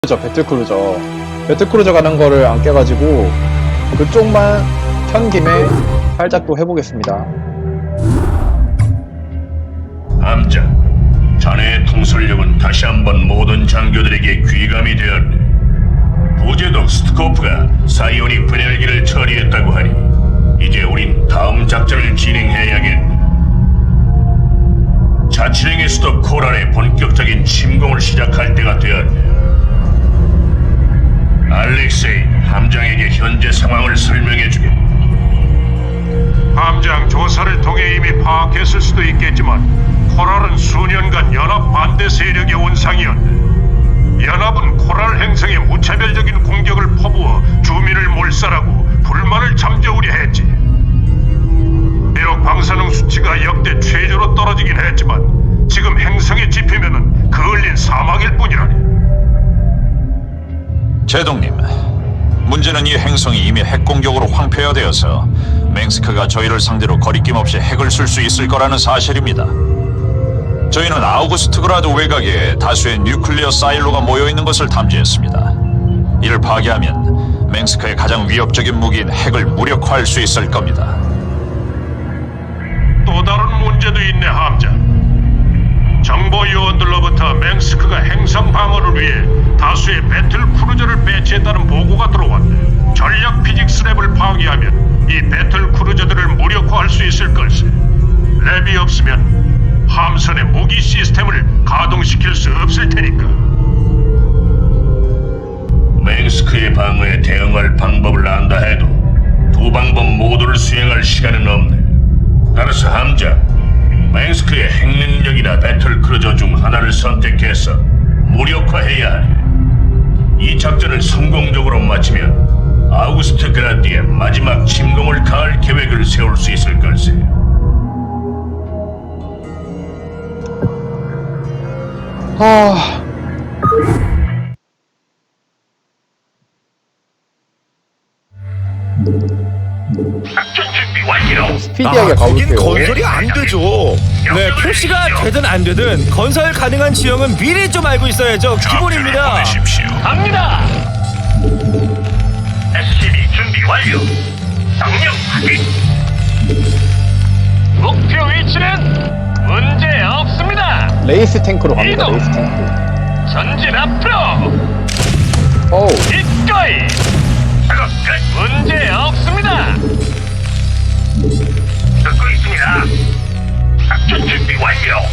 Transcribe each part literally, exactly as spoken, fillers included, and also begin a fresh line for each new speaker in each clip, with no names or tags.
저 배틀크루저 배틀크루저 가는 거를 안 깨가지고 그쪽만 켠 김에 살짝 또 해보겠습니다.
함장, 자네의 통솔력은 다시 한번 모든 장교들에게 귀감이 되었네. 부제독 스트코프가 사이오닉 분열기를 처리했다고 하니 이제 우린 다음 작전을 진행해야겠네. 자치령의 수도 코랄의 본격적인 침공을 시작할 때가 되었네. 알렉세이, 함장에게 현재 상황을 설명해주게.
함장, 조사를 통해 이미 파악했을 수도 있겠지만 코랄은 수년간 연합 반대 세력의 온상이었네. 연합은 코랄 행성에 무차별적인 공격을 퍼부어 주민을 몰살하고 불만을 잠재우려 했지. 비록 방사능 수치가 역대 최저로 떨어지긴 했지만 지금 행성에 집히면은 그을린 사막일 뿐이라네.
제동님, 문제는 이 행성이 이미 핵 공격으로 황폐화되어서 맹스크가 저희를 상대로 거리낌 없이 핵을 쓸 수 있을 거라는 사실입니다. 저희는 아우구스트그라드 외곽에 다수의 뉴클리어 사일로가 모여있는 것을 탐지했습니다. 이를 파괴하면 맹스크의 가장 위협적인 무기인 핵을 무력화할 수 있을 겁니다.
또 다른 문제도 있네, 함장. 정보 요원들로부터 맹스크가 행성 방어를 위해 다수의 배틀 크루저를 배치했다는 보고가 들어왔네. 전략 피직스 랩을 파괴하면 이 배틀 크루저들을 무력화할 수 있을 걸세. 랩이 없으면 함선의 무기 시스템을 가동시킬 수 없을 테니까.
맹스크의 방어에 대응할 방법을 안다 해도 두 방법 모두를 수행할 시간은 없네. 따라서 함장, 맹스크의 핵능력이나 배틀크루저 중 하나를 선택해서 무력화해야 하네. 이 작전을 성공적으로 마치면 아우구스트 그라드의 마지막 침공을 가할 계획을 세울 수 있을 걸세.
하...
작전 준비 완료.
스피디하게
아, 거긴
가볼게요.
건설이 안 되죠.
네, 표시가 되든 안 되든 건설 가능한 지형은 미리 좀 알고 있어야죠. 기본입니다.
보내십시오. 갑니다. 에스씨비 준비 완료. 명령 확인. 목표 위치는 문제 없습니다.
레이스 탱크로 갑니다.
이동.
레이스 탱크.
전진 앞으로.
어우,
기꺼이. 작업 끝. 문제 없습니다. 듣고 있습니다. 작전 준비 완료.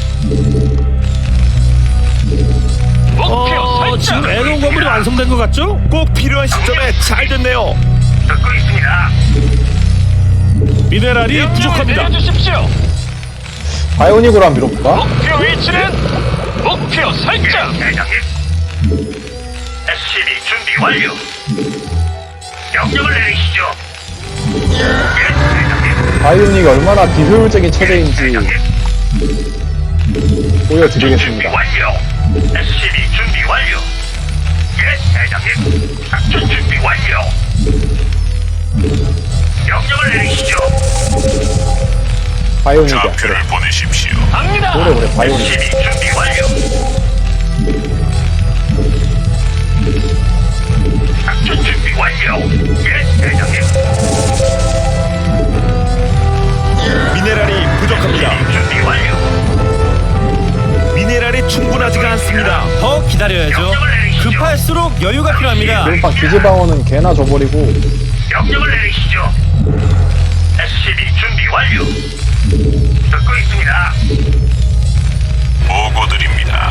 목표
어,
설정.
지금 에논 건물이 완성된 것 같죠?
꼭 필요한 시점에 잘 됐네요.
듣고 있습니다.
미네랄이 부족합니다.
내려주십시오.
바이오닉으로 한번 밀어볼까?
목표 위치는 목표 설정. 대장님. 에스씨비 준비 완료. 명령을 내리시죠. 예, 대장님.
바이오닉이 얼마나 비효율적인 체제인지
대장님. 준비
보여드리겠습니다.
완료. 에스씨비 준비 완료. 예, 대장님. 작전 준비 완료. 명령을 내리시죠.
바이오닉이야.
보내십시오. 갑니다.
오래 오래 바이오닉.
에스씨비 준비 완료. 작전 준비 완료. 예, 대장님.
미네랄이 부족합니다.
준비 완료.
미네랄이 충분하지가 않습니다.
더 기다려야죠. 급할수록 여유가 필요합니다.
일반 기지방어는 개나 줘버리고
명령을 내리시죠. 에스씨비 준비 완료. 듣고 있습니다. 보고드립니다.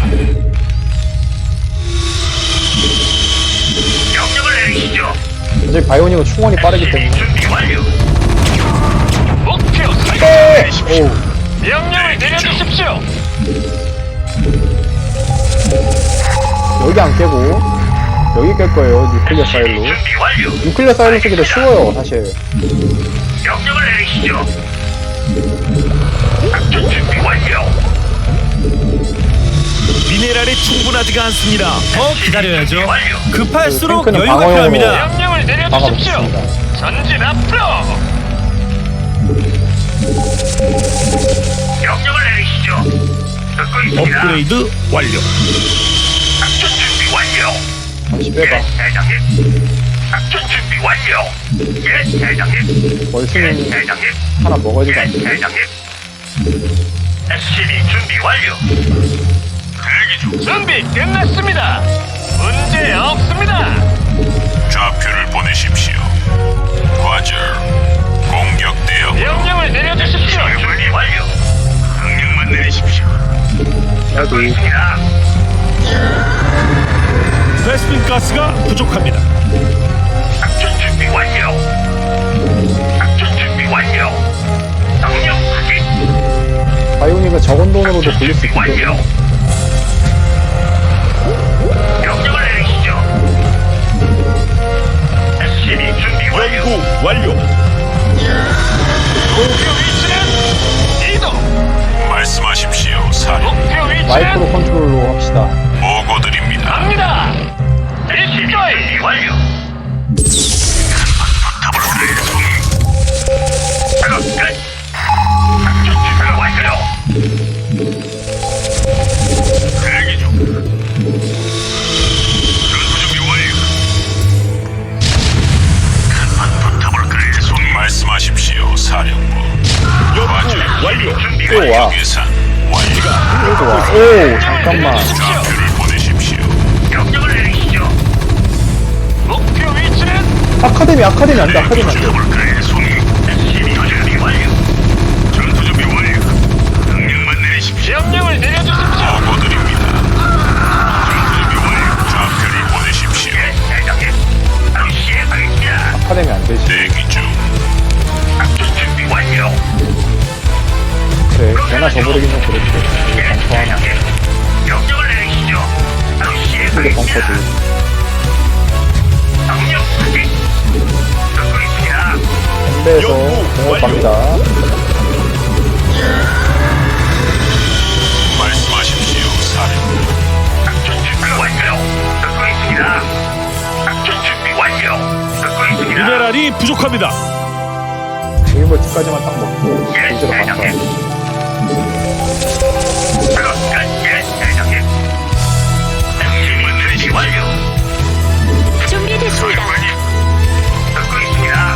명령을 내리시죠.
이제 바이오닉은 충원이 빠르기 때문에.
준비 완료. 목표 설정.
네! 오우,
명령을 내려주십시오.
여기 안 깨고 여기 깰 거예요. 뉴클리어 사일로.
준비 완료.
뉴클리어 사일로 쓰기 더 쉬워요, 사실.
명령을 내리시죠. 작전 준비 완료.
미네랄이 충분하지가 않습니다.
더 기다려야죠. 급할수록
탱크는
여유가
방어용으로.
필요합니다.
명령을 내려주십시오.
막아놓겠습니다.
전진 앞으로. 명령을 내리시죠. 듣고 있습니다.
업그레이드 완료.
작전 준비 완료.
잠시 빼봐.
대장님. 작전 준비 완료. 예, 대장님.
월수는
대장님.
하나 먹어야 되지 않겠니?
대장님. 에스씨비 준비 완료. 대기 중. 준비 끝났습니다. 문제 없습니다.
좌표를 보내십시오. 과절. 공격 대응.
명령을 내려주십시오. 준비 완료. 명령만 내리십시오.
나도
있습니다.
베스핀 가스가 부족합니다.
작전 준비 완료. 작전 준비 완료. 명령 확인.
바이오닉은 적은 돈으로도 굴릴 수
준비
있기 때문에
완료. 명령을 내리시죠. 에스씨비 준비 완료.
연구 완료.
목표 위치는 이동.
말씀하십시오. 사령.
목표 위치는
마이크로 컨트롤로 합시다.
보고드립니다.
갑니다. 에스씨비 준비 완료. 작업 끝. 작전 준비 완료. 대기 중. 전투 준비 완료. 간판 붙어볼까요, 송이?
말씀하십시오. 사령부. 과절.
연구 완료.
준비
또 와.
계산 완료.
또 와. 오, 잠깐만.
좌표를 보내십시오.
명령을 내리시죠. 목표 위치는
아카데미, 아카데미 안 돼, 아카데미 안 돼.
붙어볼까요, 송이? 에스씨비 준비 완료. 전투 준비 완료. 명령만 내리십시오. 명령을 내려주십시오.
보고드립니다. 전투 준비 완료. 좌표를 보내십시오.
예, 대장님. 바로 시행하겠습니다.
아카데미 안 되지.
대기 중.
작전 준비 완료.
그래, 걔나 저버리긴 좀 그렇지. 이거
예,
벙커 하나.
대장님. 명령을 내리시죠. 바로
이게
시행하겠습니다.
벙커지.
명령 확인. 듣고 있습니다.
군대에서 공업 갑니다.
말씀하십시오. 사령부.
작전 준비 완료. 듣고 있습니다. 작전 준비 완료. 듣고 있습니다.
미네랄이 부족합니다.
일벌트까지만 딱 먹고
예,
이제로 갔다.
대장님. 작업 끝. 예, 대장님. 에스씨비 준비 완료.
준비됐습니다.
사령관님. 듣고 있습니다.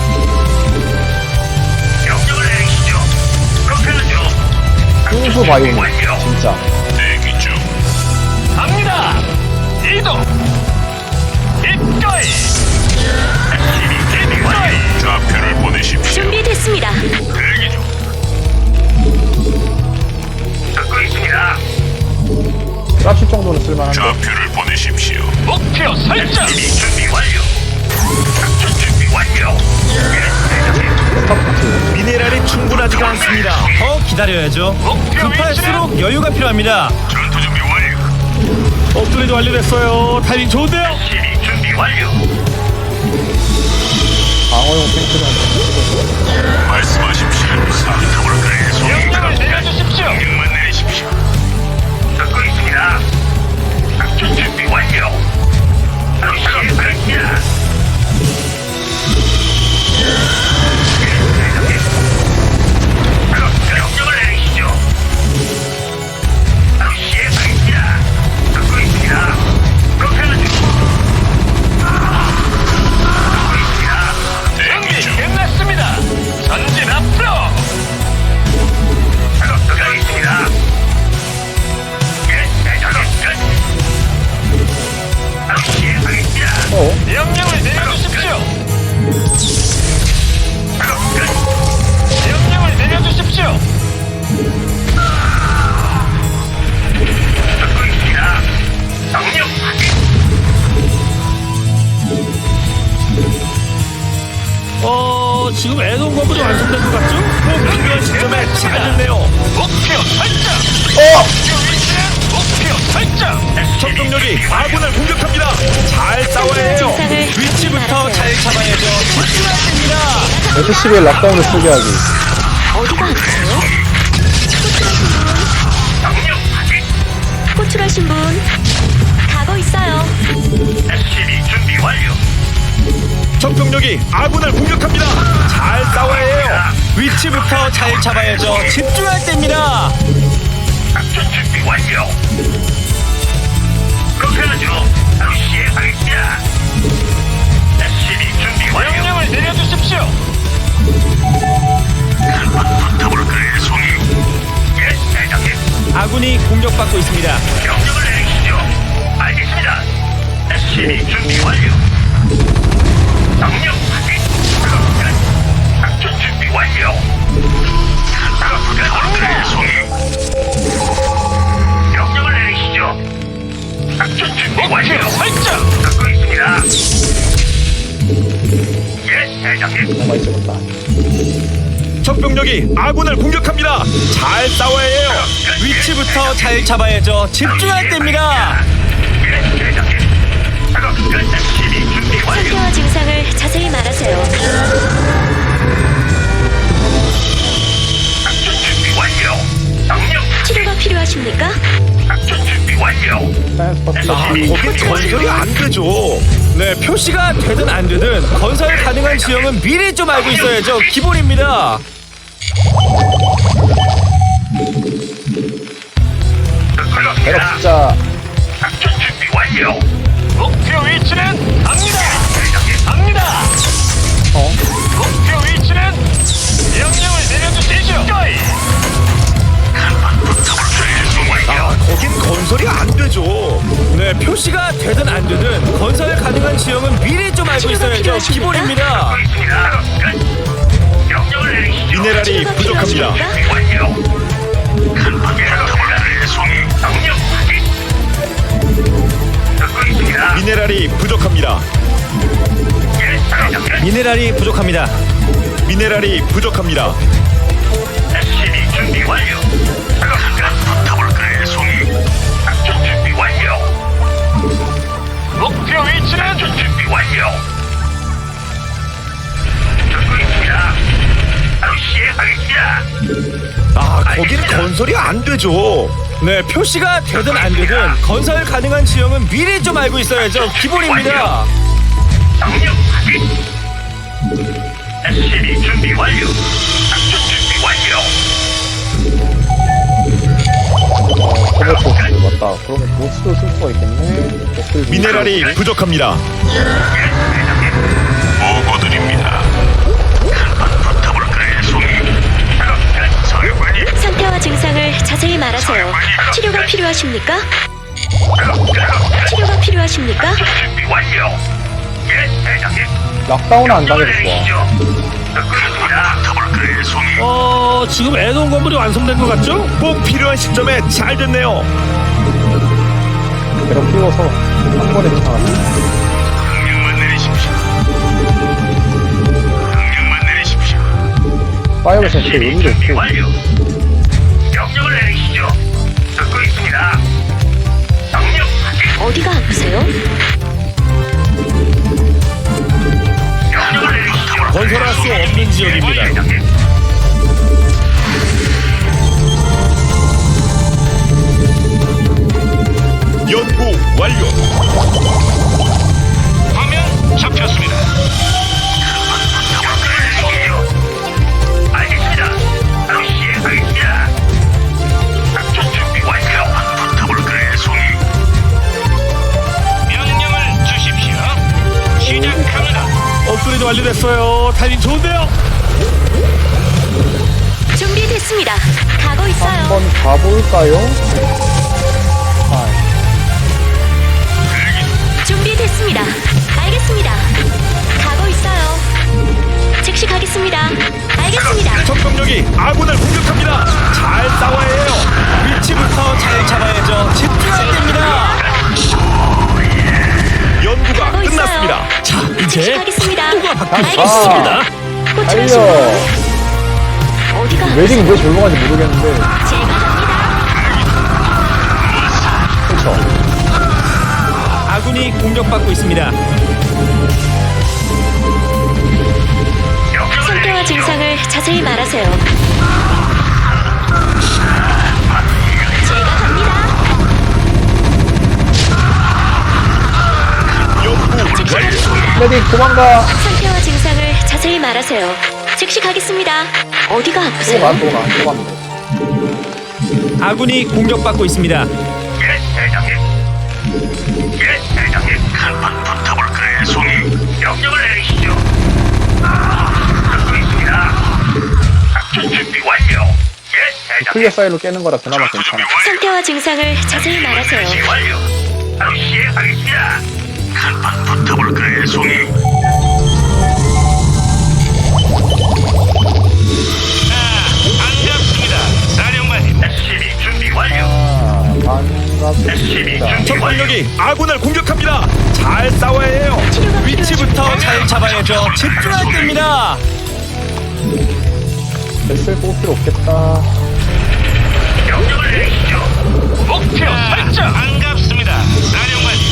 명령을 내리시죠. 그렇게 하죠.
훈수 바이오닉,
완료.
진짜.
대기 중.
갑니다. 이동. 입가이. 에스씨비 준비 완료.
좌표를 보내십시오.
준비됐습니다.
대기 중. 듣고 있습니다.
드랍십 정도는 쓸만한데.
좌표를 보내십시오.
목표 설정. 에스씨비 준비 완료. 작전 준비 완료. 예, 대장님.
스타포트.
미네랄이 충분하지가 않습니다.
더 기다려야죠. 급할수록 여유가 필요합니다.
전투 준비 완료.
업그레이드 완료됐어요. 타이밍 좋은데요?
에스씨비 준비 완료.
방어용 탱크는
말씀하십시오. 사령부.
명령을 내려주십시오. 명령만 내리십시오. 듣고 있습니다. 작전 준비 완료. 바로 시행하겠습니다. 명령을 내리시죠. 바로 시행하겠습니다. 듣고 있습니다. 그렇게 하죠. 듣고 있습니다.
대기 중.
끝났습니다. 전진 앞으로. 작업 들어가겠습니다. 예, 작업 끝. 바로 시행하겠습니다.
어?
명령을 내려주십시오. 작업 끝. 명령을 내려주십시오. 듣고 있습니다. 명령 확인.
어, 지금 애동 건물이 완성된 것 같죠? 꼭 필요한 시점에 잘 됐네요.
목표 설정.
어!
목표 위치는 목표 설정.
적동력이 아군을 공격합니다. 잘 싸워야 해요.
증상을
위치부터 잘 잡아야죠. 집중해야 됩니다.
에스씨비의 락다운을 쓰게 하기.
어디가 아프세요?
명령 확인.
호출하신 분 가고 있어요.
에스씨비 준비 완료.
적동력이 아군을 공격합니다. 잘 싸워야 해요.
위치부터 잘 잡아야죠. 집중할 때입니다.
작전 준비 완료. 그렇게 하죠. 바로 시행하겠습니다. 에스시비 준비 완료. 명령 확인. 작전 준비 완료. 그래, 송이. 명령을 내리시죠. 작전 준비 완료. 설정. 듣고 있습니다. 예, 대장님.
뭐가 있었다.
적병력이 아군을 공격합니다. 잘 싸워야 해요. 위치부터 잘 잡아야죠. 집중할 때입니다.
예, 대장님. 작업 끝. 에스시비 준비 완료.
상태와 증상을 자세히 말하세요.
작전 준비 완료. 명령
치료가 필요하십니까?
작전 준비 완료.
트랜스포트
아,
에스시비
거긴
준비
건설이
완료.
안 되죠. 네, 표시가 되든 안 되든 건설 가능한 지형은 미리 좀 알고 있어야죠. 기본입니다.
배럭 숫자
작전 준비 완료.
목표 위치는 갑니다.
대장님.
갑니다.
어?
목표 위치는 명령을 내려주시죠.
아, 거긴 건설이 안 되죠. 네, 표시가 되든 안 되든 건설 가능한 지형은 미리 좀 알고 있어야죠. 기본입니다.
있습니다. 명령을 내리시죠.
미네랄이
치료가
부족합니다.
필요하십니까?
준비 완료. 간판에 가볼까를 송이. 명령 확인. 듣고 있습니다.
미네랄이 부족합니다.
예, 대장님.
미네랄이 부족합니다. 미네랄이 부족합니다.
에스시비 준비 완료. 잠깐 붙어볼까요, 송이? 작전 준비 완료.
목표 위치는
작전 준비 완료. 듣고 있습니다. 바로 시행하겠습니다.
아, 거긴 건설이 안 되죠. 네, 표시가 되든 안 되든 건설 가능한 지형은 미리 좀 알고 있어야죠. 기본입니다.
명령 확인. 에스시비 준비 완료. 작전 준비 완료.
어, 커버포스 맞다. 그러면 보스도 쓸 수가 있겠네. 보스
미네랄이 부족합니다.
보고드립니다. 한번 붙어볼까요, 송이? 사령관님.
상태와 증상을 자세히 말하세요. 치료가 필요하십니까? 치료가 필요하십니까?
작전 준비 완료. 예, 대장님.
락다운은 안 당해도 좋아.
좋아. 붙어볼까요, 송이?
어, 지금 애동 건물이 완성된 것 같죠?
꼭 필요한 시점에 잘 됐네요.
배럭 띄워서 한 번에 도착하네.
명령만 내리십시오. 명령만 내리십시오.
파이어 센스 의미도
준비
있고.
완료. 명령을 내리시죠. 듣고 있습니다. 명령 확인.
어디가 아프세요?
명령을 내리시죠.
건설할 수 없는 지역입니다.
대장님.
연구 완료.
화면 잡혔습니다. 알겠습니다. 바로 시행하겠습니다. 작전 준비 완료. 붙어볼까요, 송이? 명령을 주십시오. 시작합니다.
업그레이드 완료됐어요. 타이밍 좋은데요?
준비됐습니다. 가고 있어요.
한번 가볼까요? 아,
준비됐습니다. 알겠습니다. 가고 있어요. 즉시 가겠습니다. 알겠습니다.
적병력이 아군을 공격합니다. 잘 싸워야 해요. 위치부터 잘 잡아야죠. 집중할 때입니다. 연구가
가고 있어요.
끝났습니다.
자,
즉시
이제
가겠습니다.
또가 바뀌었습니다.
알겠습니다. 호출하신
달려.
분 어디가
웨딩 왜 절로 가는지 모르겠는데.
제가 갑니다.
그쵸.
아군이 공격받고 있습니다.
상태와 증상을 자세히 말하세요. 제가 갑니다. 즉시 가겠습니다.
레디 도망가.
상태와 증상을 자세히 말하세요. 즉시 가겠습니다. 어디가
또
아프세요?
가, 또 가, 또 가면 돼.
아군이 공격받고 있습니다.
예, 대장님. 예, 대장님. 한판 붙어볼까요, 송이? 명령을 내리시죠. 듣고 있습니다. 작전 준비 완료. 예, 대장님.
클리어 파일로 깨는 거라 그나마 괜찮아.
상태와 증상을 자세히 말하세요.
완료. 바로 시행하겠습니다. 붙어볼까요, 송이? 반갑습니다, 사령관님. 에스씨비 준비 완료.
아, 반갑습니다.
적병력이 아군을 공격합니다. 잘 싸워야 해요. 위치부터 잘 잡아야죠. 집중할 때입니다.
뱃을 뽑을 필요 없겠다.
명령을 내리시죠. 목표 설정. 반갑습니다, 사령관님.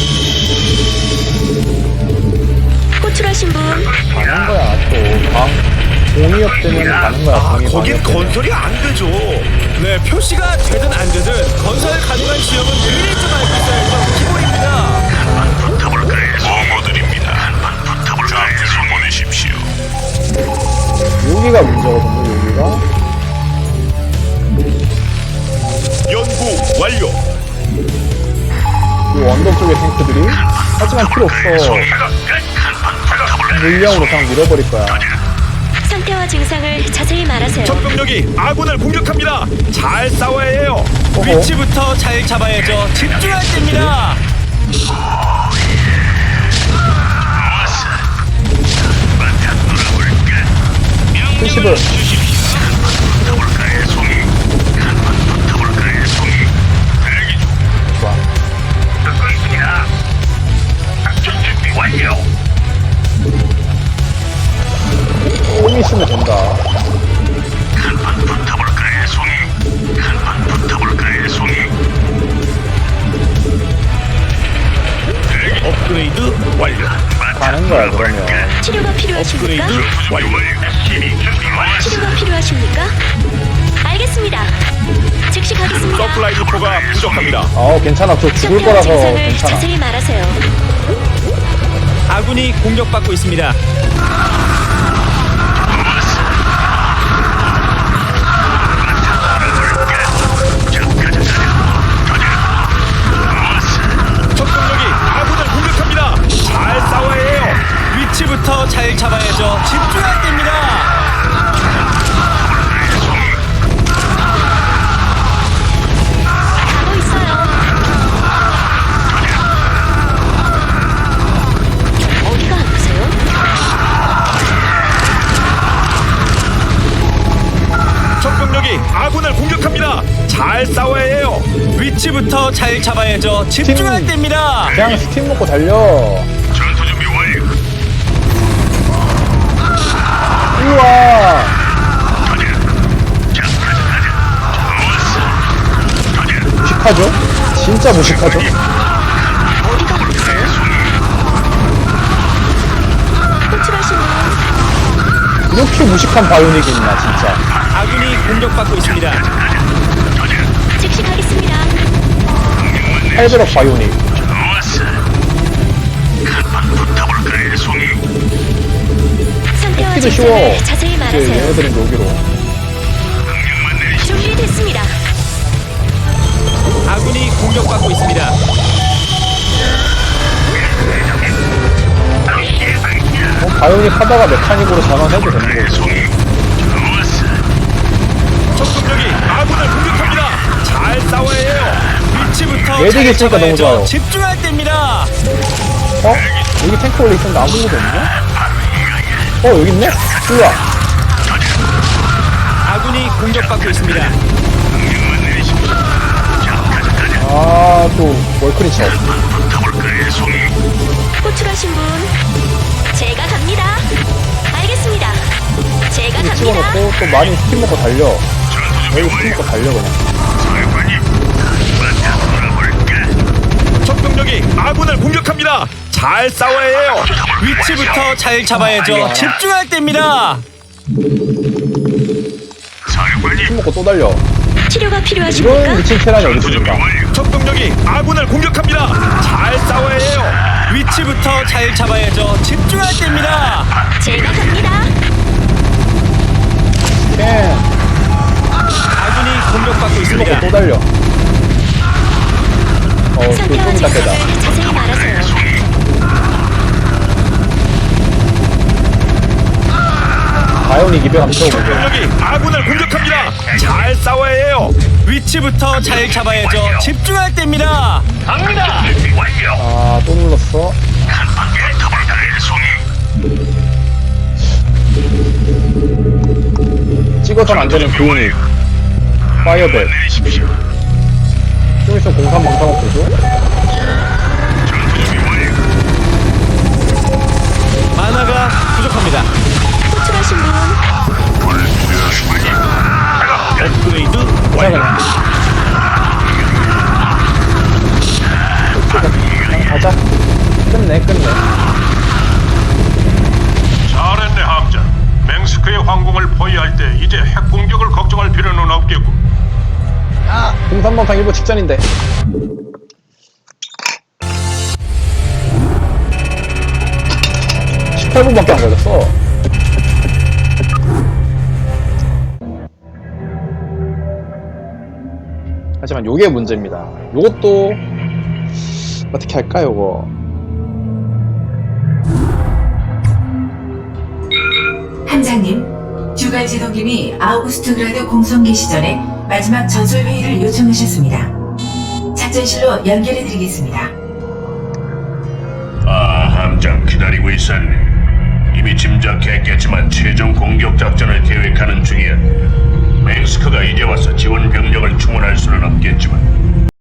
호출하신 분
가는 거야, 또. 방, 공이업 때문에 가는 거야,
아,
공이
거긴
방이업 때문에.
건설이 안 되죠. 네, 표시가 되든 안 되든 건설 가능한 지역은 미리 좀 알고 있어야죠. 기본입니다.
붙어볼까요, 보고드립니다. 한번 붙어볼까요, 송이? 보내십시오.
여기가 문제거든요, 여기가.
연구 완료.
이 언덕 쪽의 탱크들이. 하지만 필요 없어. 물량으로 그냥 밀어버릴 거야.
상태와 증상을 자세히 말하세요.
적병력이 아군을 공격합니다. 잘 싸워야 해요.
어허.
위치부터 잘 잡아야죠. 집중할 때입니다.
칠십을.
붙어볼까요, 송이? 한번 붙어볼까요, 송이? 대기 중.
좋아.
듣고 있습니다. 작전 준비 완료.
좀 있으면 된다.
한번 붙어볼까요, 송이? 한번 붙어볼까요, 송이?
업그레이드 완료.
가는 거야, 그러면.
치료가 필요하십니까?
업그레이드 완료.
에스씨비 준비 완료.
치료가 필요하십니까? 알겠습니다. 즉시 가겠습니다.
서플라이 디포가 부족합니다.
아, 괜찮아. 저 죽을
상태와
거라서
증상을
괜찮아.
자세히 말하세요.
아군이 공격받고 있습니다. 적병력이 아군을 공격합니다. 잘 싸워야 해요. 위치부터 잘 잡아야죠. 집중할 때입니다.
가고 있어요. 어디가 아프세요?
적병력이 아군을 공격합니다. 잘 싸워야 해요. 위치부터 잘 잡아야죠. 집중할
팀.
때입니다.
그냥 스팀 먹고 달려.
전투 준비 완료.
일로 와. 무식하죠? 진짜 무식하죠?
어디가 아프세요? 호출하신 분
이렇게 무식한 바이오닉이 있나, 진짜.
아군이 공격받고 있습니다.
즉시 가겠습니다.
팔백억 바이오닉.
좋았어. 한번 붙어볼까요, 송이?
상태와
뽑기도 쉬워.
증상을 자세히
이제
말하세요.
얘네들은 여기로.
명령만 내리시죠.
준비됐습니다.
아군이 공격받고 있습니다.
어, 바이오닉 하다가 메카닉으로 전환해도 되는 거지.
송이. 좋았어.
적군력이 아군을 공격합니다. 잘 싸워야 해요. 위치부터
매직이
잘
있으니까 너무
잡아야죠.
좋아요.
집중할 때입니다.
어? 여기 탱크 원래 있었는데 아무것도 없냐? 어, 여기 있네? 일로 와.
아군이 공격받고 있습니다.
명령만 내리십시오. 자, 가자, 가자.
아, 또, 월크리처.
붙어볼까요, 송이?
호출하신 분 제가 갑니다. 알겠습니다. 제가
여기
갑니다.
찍어놓고 또 많이 스팀 먹고 달려.
전투 준비
여기 스팀
완료.
먹고 달려, 그냥.
사령관님, 한번 돌아볼까?
적병력이 아군을 공격합니다. 잘 싸워야 해요. 위치부터 잘 잡아야죠. 집중할 때입니다.
사령관님,
스팀 먹고 또 달려.
치료가
이런
필요하십니까?
미친 테란이 어디
전투 준비
있습니까?
완료.
적병력이 아군을 공격합니다. 잘 싸워야 해요. 위치부터 잘 잡아야죠. 집중할 때입니다.
제가 갑니다.
캔.
아군이 공격받고
스팀 먹고
있습니다.
또 달려. 어, 또
상태와
좀 이따 빼다.
증상을 자세히 말하세요.
바이오닉 이백 한번 채워보고.
적병력이 아군을 공격합니다. 잘 싸워야 해요. 위치부터 잘 잡아야죠. 집중할 때입니다.
갑니다. 준비 완료.
아, 또 눌렀어.
한번
찍어선 안 되는 그 유닛. 파이어벳.
내리십시오.
좀 있으면 공삼 방사목 보죠?
전투 준비 완료.
만화가 부족합니다.
호출하신 분
준비되었습니다.
업그레이드
자,
완료.
그냥. 그냥 가자. 끝내, 끝내.
잘했네 함자. 맹스크의 황궁을 포위할 때 이제 핵 공격을 걱정할 필요는 없겠고.
아! 공삼 방사 일보 직전인데. 십팔 분밖에 안 걸렸어. 하지만 요게 문제입니다. 요것도 어떻게 할까 요거.
함장님, 주갈 지도기미 아우구스트그라드 공성기 시절에 마지막 전술 회의를 요청하셨습니다. 작전실로 연결해드리겠습니다.
아, 함장 기다리고 있었네. 이미 짐작했겠지만 최종 공격 작전을 계획하는 중이었네. 맹스크가 이제 와서 지원 병력을 충원할 수는 없겠지만